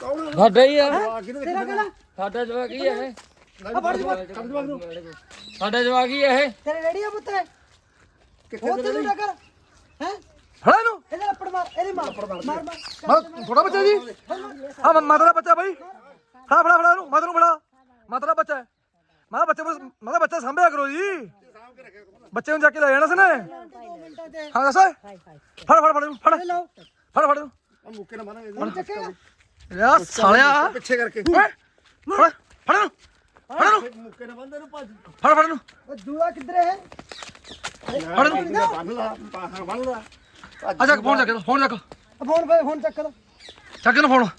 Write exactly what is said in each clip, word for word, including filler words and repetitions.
ਸਾਡਾ ਹੀ ਆ ਤੇਰਾ ਕਿਹੜਾ ਸਾਡਾ ਜਵਾਕ ਹੀ ਆ ਇਹ ਆ ਫੜ ਜਵਾ ਸਾਡਾ ਜਵਾਕ ਹੀ ਆ ਇਹ ਤੇਰੇ ਰੇੜੀ ਆ ਪੁੱਤ ਉਹ ਤੈਨੂੰ ਟੱਕਰ ਹੈ ਫੜਾ ਇਹਨੂੰ ਇਹਦੇ ਲੱਪੜ ਮਾਰ ਇਹਦੇ ਮਾਰ ਮਾਰ ਮਾਰ ਮੈਂ ਥੋੜਾ ਬੱਚਾ ਜੀ ਹਾਂ ਮਾਤਾ ਦਾ ਬੱਚਾ ਬਾਈ ਹਾਂ ਫੜਾ ਫੜਾ ਇਹਨੂੰ ਮਾਤਾ ਨੂੰ ਫੜਾ ਮਾਤਾ ਦਾ ਬੱਚਾ ਹੈ ਮਾਤਾ ਬੱਚੇ ਮਾਤਾ ਬੱਚਾ ਸੰਭਿਆ ਕਰੋ ਜੀ ਬੱਚੇ ਨੂੰ ਜਾ ਕੇ ਲੈ ਜਾਣਾ ਸੀ ਨੇ ਹਾਂ ਦੱਸ ਫੜ ਫੜ ਫੜ ਫੜ ਲਓ ਫੜ ਫੜ ਮੁੱਕੇ ਨਾ ਮਾਰਾਂਗੇ ਹੁਣ ਚੱਕੇਗਾ ਯਾ ਸਾਲਿਆ ਪਿੱਛੇ ਕਰਕੇ ਫੜ ਫੜ ਫੜ ਇਹਨੂੰ ਫੜ ਇਹਨੂੰ ਮੁੱਕੇ ਨਾ ਬੰਦੇ ਨੂੰ ਭੱਜ ਫੜ ਫੜ ਇਹਨੂੰ ਉਹ ਜੂਆ ਕਿੱਧਰ ਹੈ ਫੜ ਇਹਨੂੰ ਬੰਨ ਲਾ ਬਾਹਰ ਬੰਨ ਲਾ ਆ ਜਾ ਫੋਨ ਚੱਕ ਫੋਨ ਚੱਕ ਫੋਨ ਪੇ ਫੋਨ ਚੱਕ ਲਓ ਚੱਕ ਇਹਨੂੰ ਫੋਨ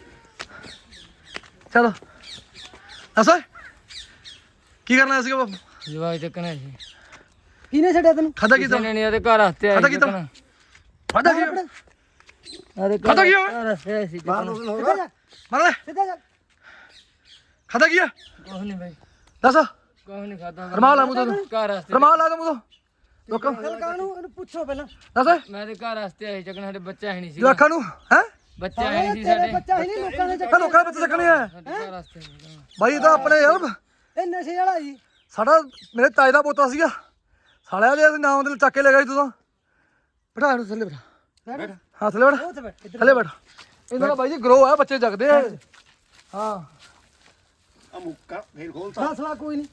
ਚਲੋ ਦੱਸ ਕੀ ਕਰਨਾ ਸੀਗਾ ਬਾਪੂ ਜਵਾਕ ਚੱਕਣਾ ਸੀ ਕਿਹਨੇ ਛੱਡਿਆ ਤੈਨੂੰ ਖਾਦਾ ਕੀ ਕਿਸੇ ਨੇ ਨਹੀਂ ਉਹਦੇ ਘਰ ਹੱਥੇ ਖਾਦਾ ਆਈ ਕੀ ਚੱਕਣਾ ਖਾਦਾ ਕੀ ਉਹਦੇ ਖਾਦਾ ਕੀ ਘਰ ਹੱਥੇ ਆਈ ਸੀ ਚੱਕਣਾ ਸਿੱਧਾ ਜਾ ਮਾਰ ਲੈ ਸਿੱਧਾ ਜਾ ਖਾਦਾ ਕੀ ਕੁਛ ਨਹੀਂ ਬਾਈ ਦੱਸ ਕੁਛ ਨਹੀਂ ਖਾਦਾ ਰਮਾਲ ਲਾ ਮੂੰਹ ਤੋਂ ਘਰ ਹੱਥੇ ਰਮਾਲ ਲਾ ਦੇ ਮੂੰਹ ਤੋਂ ਲੋਕਾਂ ਚੱਲ ਕਾਹਨੂੰ ਇਹਨੂੰ ਪੁੱਛੋ ਪਹਿਲਾਂ ਦੱਸ ਮੈਂ ਤੇ ਘਰ ਹੱਥੇ ਆਈ ਚੱਕਣਾ ਸਾਡੇ ਬੱਚਾ ਹੈ ਨਹੀਂ ਸੀ ਜਵਾਕਾਂ ਨੂੰ ਹੈ ਬੱਚਾ ਹੈ ਨਹੀਂ ਸੀ ਤੇਰੇ ਸਾਡੇ ਬੱਚਾ ਹੀ ਨਹੀਂ ਲੋਕਾਂ ਦੇ ਇਹ ਲੋਕਾਂ ਦੇ ਬੱਚੇ ਚੱਕਣੇ ਆ ਸਾਡੇ ਘਰ ਹੱਥੇ ਬਾਈ ਇਹ ਤਾਂ ਆਪਣੇ ਯਾਰ ਇਹ ਨਸ਼ੇ ਵਾਲਾ ਜੀ ਸਾਡਾ ਮੇਰੇ ਤਾਏ ਦਾ ਪੋਤਾ ਸੀਗਾ ਸਾਲਿਆ ਦੇ ਨਾਮ ਦੇ ਚੱਕ ਕੇ ਲੈ ਗਈ ਤੂੰ ਤਾਂ ਬਿਠਾ ਇਹਨੂੰ ਥੱਲੇ ਬਿਠਾ ਬੈਠ ਹਾਂ ਥੱਲੇ ਬੈਠ ਉਹ ਤੇ ਬੈਠ ਇੱਧਰ ਥੱਲੇ ਬੈਠ ਇਹਨਾਂ ਦਾ ਬਾਈ ਜੀ ਗਰੋ ਆ ਬੱਚੇ ਜਗਦੇ ਆ ਹਾਂ ਆ ਮੁੱਕਾ ਫੇਰ ਖੋਲ ਫਾਸਲਾ ਕੋਈ ਨਹੀਂ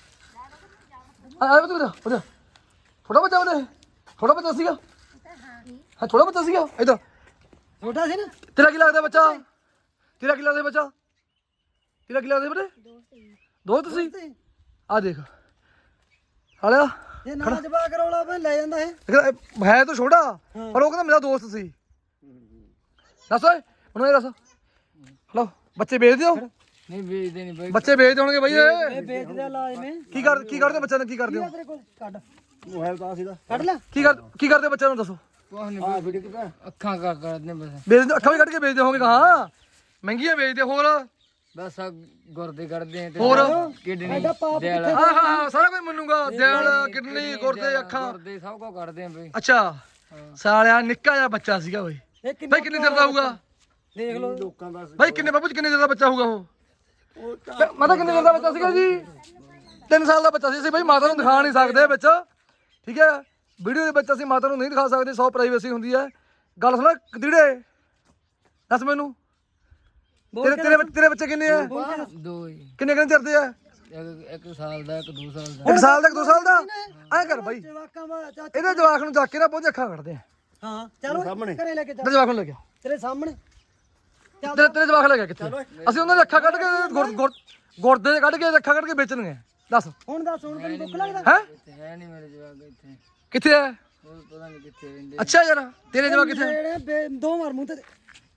ਆ ਆ ਤੂੰ ਉਹਦਾ ਥੋੜਾ ਬੱਚਾ ਉਹਦੇ ਥੋੜਾ ਬੱਚਾ ਸੀਗਾ ਹਾਂ ਥੋੜਾ ਬੱਚਾ ਸੀਗਾ ਇਧਰ ਛੋਟਾ ਸੀ ਨਾ ਤੇਰਾ ਕੀ ਲੱਗਦਾ ਬੱਚਾ ਤੇਰਾ ਕੀ ਲੱਗਦਾ ਬੱਚਾ ਤੇਰਾ ਕੀ ਲੱਗਦਾ ਬੇਟੇ ਦੋਸਤ ਸੀ ਆ ਦੇਖ ਹਾਲਿਆ ਇਹ ਨਾ ਜਵਾ ਕਰੋਲਾ ਮੈਂ ਲੈ ਜਾਂਦਾ ਹੈ ਹੈ ਤਾਂ ਛੋਟਾ ਪਰ ਉਹ ਕਹਿੰਦਾ ਮੇਰਾ ਦੋਸਤ ਸੀ ਦੱਸ ਓਏ ਉਹਨੂੰ ਇਹ ਦੱਸ ਹਲੋ ਬੱਚੇ ਵੇਚਦੇ ਹੋ ਨਹੀਂ ਵੇਚਦੇ ਨਹੀਂ ਬਾਈ ਬੱਚੇ ਵੇਚਦੇ ਹੋਣਗੇ ਬਾਈ ਇਹ ਇਹ ਵੇਚਦੇ ਆ ਲਾਜ ਨੇ ਕੀ ਕਰ ਕੀ ਕਰਦੇ ਬੱਚਿਆਂ ਨੂੰ ਕੀ ਕਰਦੇ ਹੋ ਤੇਰੇ ਕੋਲ ਕੱਢ ਮੋਬਾਈਲ ਤਾਂ ਸੀਦਾ ਕੱਢ ਲੈ ਕੀ ਕਰ ਕੀ ਕਰਦੇ ਬੱਚਿਆਂ ਨੂੰ ਦੱਸੋ ਕੁਛ ਨਹੀਂ ਆ ਵੀਡੀਓ ਕਿਤਾ ਅੱਖਾਂ ਕਰ ਕਰਦੇ ਬਸ ਵੇਚਦੇ ਅੱਖਾਂ ਵੀ ਕੱਢ ਕੇ ਵੇਚਦੇ ਹੋਣਗੇ ਹਾਂ ਮਹਿੰਗੀਆਂ ਵੇਚਦੇ ਹੋਰ ਬਸ ਆ ਗੁਰਦੇ ਕੱਢਦੇ ਆ ਤੇ ਹੋਰ? ਕਿਡਨੀ ਐਡਾ ਪਾਪ ਦਿਲ ਹਾਂ ਹਾਂ ਹਾਂ ਸਾਰਾ ਕੁਝ ਮੰਨੂਗਾ ਦਿਲ ਕਿਡਨੀ ਗੁਰਦੇ ਅੱਖਾਂ ਗੁਰਦੇ ਸਭ ਕੁਝ ਕੱਢਦੇ ਆ ਬਈ ਅੱਛਾ ਸਾਲਿਆ ਨਿੱਕਾ ਜਿਹਾ ਬੱਚਾ ਸੀਗਾ ਬਾਈ ਇਹ ਕਿੰਨਾ ਬਾਈ ਕਿੰਨੇ ਦਿਨ ਦਾ ਹੋਊਗਾ ਦੇਖ ਲਓ ਲੋਕਾਂ ਦਾ ਬਾਈ ਕਿੰਨੇ ਬਾਬੂ ਜੀ ਕਿੰਨੇ ਦਿਨ ਦਾ ਬੱਚਾ ਹੋਊਗਾ ਉਹ ਉਹ ਤਾਂ ਮਾਤਾ ਕਿੰਨੇ ਦਿਨ ਦਾ ਬੱਚਾ ਸੀਗਾ ਜੀ ਤਿੰਨ ਸਾਲ ਦਾ ਬੱਚਾ ਸੀ ਅਸੀਂ ਬਾਈ ਮਾਤਾ ਨੂੰ ਦਿਖਾ ਨਹੀਂ ਸਕਦੇ ਵਿੱਚ ਠੀਕ ਹੈ ਵੀਡੀਓ ਦੇ ਵਿੱਚ ਅਸੀਂ ਮਾਤਾ ਨੂੰ ਨਹੀਂ ਦਿਖਾ ਸਕਦੇ ਸੌ ਪ੍ਰਾਈਵੇਸੀ ਹੁੰਦੀ ਹੈ ਗੱਲ ਸੁਣ ਕਦੀੜੇ ਦੱਸ ਮੈਨੂੰ ਤੇਰੇ ਤੇਰੇ ਬੱਚੇ- ਤੇਰੇ ਬੱਚੇ ਕਿੰਨੇ ਆ ਦੋ ਹੀ ਕਿੰਨੇ ਕਿੰਨੇ ਚਿਰ ਦੇ ਆ ਇੱਕ ਇੱਕ ਸਾਲ ਦਾ ਇੱਕ ਦੋ ਸਾਲ ਦਾ ਇੱਕ ਸਾਲ ਦਾ ਇੱਕ ਦੋ ਸਾਲ ਦਾ ਐਂ ਕਰ ਬਾਈ ਜਵਾਕਾਂ ਵਾ ਚਾਚਾ ਇਹਦੇ ਜਵਾਕ ਨੂੰ ਚੱਕ ਕੇ ਨਾ ਪਹੁੰਚ ਅੱਖਾਂ ਕੱਢਦੇ ਆ ਹਾਂ ਚਲੋ ਘਰੇ ਲੈ ਕੇ ਚੱਲ ਤੇਰੇ ਜਵਾਕ ਨੂੰ ਲੱਗਿਆ ਤੇਰੇ ਸਾਹਮਣੇ ਤੇਰੇ ਤੇਰੇ ਜਵਾਕ ਲੱਗਿਆ ਕਿੱਥੇ ਅਸੀਂ ਉਹਨਾਂ ਦੇ ਅੱਖਾਂ ਕੱਢ ਕੇ ਗੁਰ- ਗੁਰ- ਗੁਰਦੇ ਕੱਢ ਕੇ ਅੱਖਾਂ ਕੱਢ ਕੇ ਵੇਚਣਗੇ ਦੱਸ ਹੁਣ ਦੱਸ ਹੁਣ ਤੈਨੂੰ ਦੁੱਖ ਲੱਗਦਾ ਹੈ ਇੱਥੇ ਹੈ ਨਹੀਂ ਮੇਰੇ ਜਵਾਕ ਇੱਥੇ ਕਿੱਥੇ ਹੈ ਹੋਰ ਪਤਾ ਨਹੀਂ ਕਿੱਥੇ ਰਹਿੰਦੇ ਅੱਛਾ ਯਾਰ ਤੇਰੇ ਜਵਾਕ ਕਿੱਥੇ ਜਿਹੜੇ ਬੇ- ਦੋ ਮਾਰ ਮੂੰਹ ਤੇ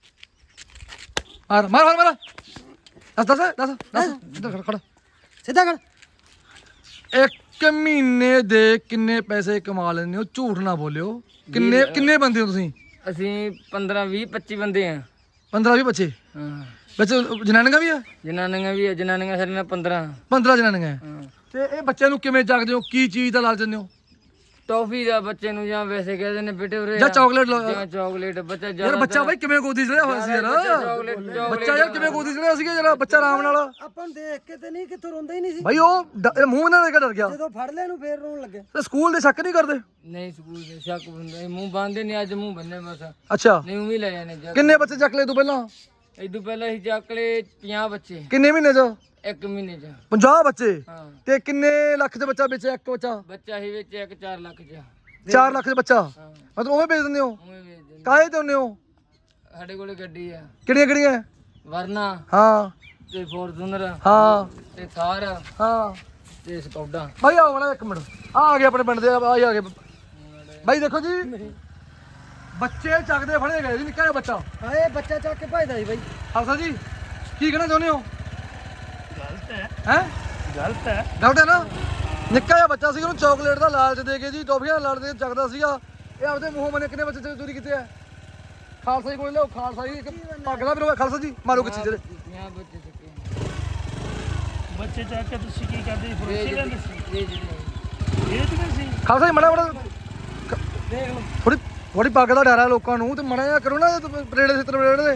ਮਾਰ ਮਾਰ ਮਾਰ ਮਾਰ ਦੱਸ ਦੱਸ ਦੱਸ ਦੱਸ ਇੱਧਰ ਖੜ ਖੜ ਸਿੱਧਾ ਕਰ ਇੱਕ ਮਹੀਨੇ ਦੇ ਕਿੰਨੇ ਪੈਸੇ ਕਮਾ ਲੈਂਦੇ ਹੋ ਝੂਠ ਨਾ ਬੋਲਿਓ ਕਿੰਨੇ ਕਿੰਨੇ ਬੰਦੇ ਹੋ ਤੁਸੀਂ ਅਸੀਂ ਪੰਦਰਾਂ ਵੀਹ ਪੱਚੀ ਬੰਦੇ ਆ ਪੰਦਰਾਂ ਵੀਹ ਬੱਚੇ ਹਾਂ ਵਿੱਚ ਜਨਾਨੀਆਂ ਵੀ ਆ ਜਨਾਨੀਆਂ ਵੀ ਆ ਜਨਾਨੀਆਂ ਸਾਡੇ ਨਾਲ ਪੰਦਰਾਂ ਪੰਦਰਾਂ ਜਨਾਨੀਆਂ ਹਾਂ ਤੇ ਇਹ ਬੱਚਿਆਂ ਨੂੰ ਕਿਵੇਂ ਜਾਗਦੇ ਹੋ ਕੀ ਚੀਜ਼ ਦਾ ਲਾਲਚ ਦਿੰਦੇ ਹੋ ਟੌਫੀ ਦਾ ਬੱਚੇ ਨੂੰ ਜਾਂ ਵੈਸੇ ਕਹਿੰਦੇ ਨੇ ਬੇਟੇ ਉਰੇ ਜਾਂ ਆ। ਚਾਕਲੇਟ ਜਾਂ ਚਾਕਲੇਟ ਬੱਚਾ ਯਾਰ ਜ਼ਿਆਦਾ ਬੱਚਾ ਬਾਈ ਕਿਵੇਂ ਗੋਦੀ ਚੜਿਆ ਹੋਇਆ ਸੀ ਯਾਰ ਚਾਕਲੇਟ ਬੱਚਾ ਯਾਰ ਕਿਵੇਂ ਗੋਦੀ ਚੜਿਆ ਸੀਗਾ ਯਾਰ ਬੱਚਾ ਆਰਾਮ ਨਾਲ ਆਪਾਂ ਨੂੰ ਦੇਖ ਕੇ ਤੇ ਨਹੀਂ ਕਿੱਥੋਂ ਰੋਂਦਾ ਹੀ ਨਹੀਂ ਸੀ ਬਾਈ ਉਹ ਡ- ਇਹ ਮੂੰਹ ਨਾਲ ਦੇਖ ਕੇ ਡਰ ਗਿਆ ਜਦੋਂ ਫੜ ਲਿਆ ਨੂੰ ਫੇਰ ਰੋਣ ਲੱਗੇ ਤੇ ਸਕੂਲ ਦੇ ਸ਼ੱਕ ਨਹੀਂ ਕਰਦੇ ਨਹੀਂ ਸਕੂਲ ਦੇ ਸ਼ੱਕ ਬੰਦੇ ਮੂੰਹ ਬੰਨਦੇ ਨਹੀਂ ਅੱਜ ਮੂੰਹ ਬੰਨੇ ਬਸ ਅੱਛਾ ਨਹੀਂ ਉਵੇਂ ਲੈ ਜਾਣੇ ਜਾ ਕਿੰਨੇ ਬੱਚੇ ਚੱਕ ਲਏ ਤੂੰ ਪਹਿਲਾਂ ਇਦੋਂ ਪਹਿਲਾਂ ਅਸੀਂ ਚੱਕ ਲਏ ਪੰਜਾਹ ਬੱਚੇ ਕਿੰਨੇ ਮਹੀਨੇ ਚ ਇੱਕ ਮਹੀਨੇ ਚ ਪੰਜਾਹ ਬੱਚੇ ਹਾਂ ਤੇ ਕਿੰਨੇ ਲੱਖ ਦੇ ਬੱਚਾ ਵੇਚਿਆ ਇੱਕ ਬੱਚਾ ਬੱਚਾ ਹੀ ਵਿੱਚ ਇੱਕ ਚਾਰ ਲੱਖ ਚ ਚਾਰ ਲੱਖ ਦੇ ਬੱਚਾ ਹਾਂ ਮਤਲਬ ਉਵੇਂ ਵੇਚ ਦਿੰਦੇ ਹੋ ਉਵੇਂ ਵੇਚ ਦਿੰਦੇ ਕਾਹੇ ਤੇ ਹੁੰਦੇ ਹੋ ਸਾਡੇ ਕੋਲੇ ਗੱਡੀ ਆ ਕਿਹੜੀਆਂ ਕਿਹੜੀਆਂ ਵਰਨਾ ਹਾਂ ਤੇ ਫੋਰਚੂਨਰ ਹਾਂ ਤੇ ਥਾਰ ਹਾਂ ਤੇ ਸਕੌਡਾ ਬਾਈ ਆਓ ਮੜਾ ਇੱਕ ਮਿੰਟ ਆ ਆ ਗਏ ਆਪਣੇ ਪਿੰਡ ਦੇ ਆ ਆ ਗਏ ਬਾਈ ਦੇਖੋ ਜੀ ਬੱਚੇ ਚੱਕਦੇ ਫੜੇ ਗਏ ਜੀ ਨਿੱਕਾ ਜਿਹਾ ਬੱਚਾ ਹਾਏ ਬੱਚਾ ਚੱਕ ਕੇ ਭਜਦਾ ਸੀ ਬਾਈ ਹਫਸਾ ਜੀ ਕੀ ਕਹਿਣਾ ਚਾਹੁੰਦੇ ਹੋ ਗਲਤ ਹੈ ਹੈ ਗਲਤ ਹੈ ਗਲਤ ਹੈ ਨਾ ਨਿੱਕਾ ਜਿਹਾ ਬੱਚਾ ਸੀ ਉਹਨੂੰ ਚਾਕਲੇਟ ਦਾ ਲਾਲਚ ਦੇ ਕੇ ਜੀ ਟੌਫੀਆਂ ਦਾ ਲਾਲਚ ਦੇ ਕੇ ਚੱਕਦਾ ਸੀਗਾ ਇਹ ਆਪਦੇ ਮੂੰਹੋਂ ਮਨੇ ਕਿੰਨੇ ਬੱਚੇ ਚੋਰੀ ਕੀਤੇ ਆ ਖਾਲਸਾ ਜੀ ਕੋਲ ਲਿਓ ਖਾਲਸਾ ਜੀ ਇੱਕ ਪੱਗ ਲਾ ਵੀਰੋ ਖਾਲਸਾ ਜੀ ਮਾਰੋ ਕਿੱਥੇ ਜਿਹੜੇ ਪੰਜਾਹ ਬੱਚੇ ਚੱਕੇ ਬੱਚੇ ਚੱਕ ਕੇ ਤੁਸੀਂ ਕੀ ਕਰਦੇ ਫਰੋਸ਼ੀ ਕਰਦੇ ਸੀ ਵੇਚ ਦਿੰਦੇ ਵੇਚਦੇ ਸੀ ਖਾਲਸਾ ਜੀ ਮੜਾ ਮੜਾ ਦੇਖ ਲਓ ਥੋੜੀ ਥੋੜੀ ਪੱਗ ਦਾ ਡਰ ਆ ਲੋਕਾਂ ਨੂੰ ਤੇ ਮੜਾ ਜਿਹਾ ਕਰੋ ਨਾ ਪਰੇੜੇ ਸਿੱਤਰ ਪਰੇੜੇ ਦੇ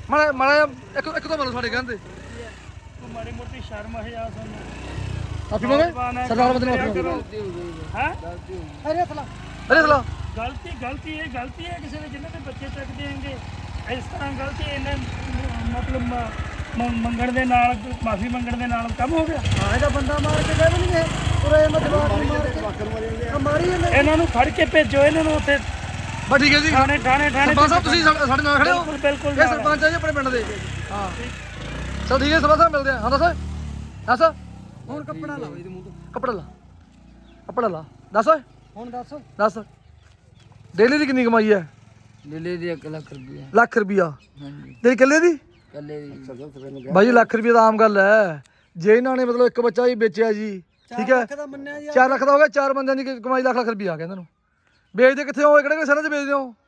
ਮਾੜਾ ਮਾੜਾ ਇੱਕ ਇੱਕ ਤੋਂ ਮਾਰੋ ਸਾਡੇ ਕਹਿੰਦੇ ਤੂੰ ਮਾੜੀ ਮੋਟੀ ਸ਼ਰਮ ਹਯਾ ਸਾਨੂੰ ਆਪੀ ਮੰਗੇ ਸਰਦਾਰ ਬੰਦੇ ਨੂੰ ਆਪੀ ਗਲਤੀ ਹੋ ਗਈ ਹੈ ਗਲਤੀ ਹੋ ਗਈ ਅਰੇ ਅਸਲਾ ਅਰੇ ਸਲਾ ਗਲਤੀ ਗਲਤੀ ਇਹ ਗਲਤੀ ਹੈ ਕਿਸੇ ਨੇ ਜਿਨ੍ਹਾਂ ਦੇ ਬੱਚੇ ਚੱਕਦੇ ਹੈਗੇ ਇਸ ਤਰ੍ਹਾਂ ਗਲਤੀ ਇਹਨੇ ਮ- ਮਤਲਬ ਮ- ਮ- ਮੰਗਣ ਦੇ ਨਾਲ ਮਾਫੀ ਮੰਗਣ ਦੇ ਨਾਲ ਕੰਮ ਹੋ ਗਿਆ ਹਾਂ ਇਹਦਾ ਬੰਦਾ ਮਾਰ ਕੇ ਗਏ ਵੀ ਨਹੀਂ ਇਹ ਉਰੇ ਇਹਨਾਂ ਜਵਾਬ ਨੂੰ ਮਾਰ ਕੇ ਆ ਮਾਰੀ ਜਾਂਦੇ ਇਹਨਾਂ ਨੂੰ ਫੜ ਕੇ ਭੇਜੋ ਇਹਨਾਂ ਨੂੰ ਉੱਥੇ ਬਸ ਠੀਕ ਹੈ ਜੀ ਥਾਣੇ ਥਾਣੇ ਥਾਣੇ ਸਰਪੰਚ ਸਾਹਿਬ ਤੁਸੀਂ ਸਾਡੇ ਸਾਡੇ ਨਾਲ ਖੜੇ ਹੋ ਬਿਲਕੁਲ ਬਿਲਕੁਲ ਇਹ ਸਰਪੰਚ ਹੈ ਜੀ ਆਪਣੇ ਪਿੰਡ ਦੇ ਹਾਂ ਚਲ ਠੀਕ ਹੈ ਸਰਪੰਚ ਸਾਹਿਬ ਮਿਲਦੇ ਆ ਹਾਂ ਦੱਸ ਦੱਸ ਹੁਣ ਕੱਪੜਾ ਲਾਓ ਇਹਦੇ ਮੂੰਹ ਤੋਂ ਕੱਪੜਾ ਲਾ ਕੱਪੜਾ ਲਾ ਦੱਸ ਓਏ ਹੁਣ ਦੱਸ ਦੱਸ ਡੇਲੀ ਦੀ ਕਿੰਨੀ ਕਮਾਈ ਹੈ ਦਿੱਲੀ ਦੀ ਇੱਕ ਲੱਖ ਰੁਪਏ ਲੱਖ ਰੁਪਿਆ ਹਾਂਜੀ ਤੇਰੀ ਇਕੱਲੇ ਦੀ ਕੱਲੇ ਦੀ ਬਾਈ ਲੱਖ ਰੁਪਏ ਤਾਂ ਆਮ ਗੱਲ ਹੈ ਜੇ ਇਹਨਾਂ ਨੇ ਮਤਲਬ ਇੱਕ ਬੱਚਾ ਹੀ ਵੇਚਿਆ ਜੀ ਠੀਕ ਹੈ ਲੱਖ ਦਾ ਮੰਨਿਆ ਜੀ ਚਾਰ ਲੱਖ ਦਾ ਹੋ ਗਿਆ ਚਾਰ ਬੰਦਿਆਂ ਦੀ ਕ- ਕਮਾਈ ਲੱਖ ਲੱਖ ਰੁਪਏ ਆ ਗਿਆ ਇਹਨਾਂ ਨੂੰ ਵੇਚਦੇ ਕਿੱਥੇ ਹੋ ਕਿਹੜੇ ਕਿਹੜੇ ਸ਼ਹਿਰਾਂ 'ਚ ਵੇਚਦੇ ਹੋ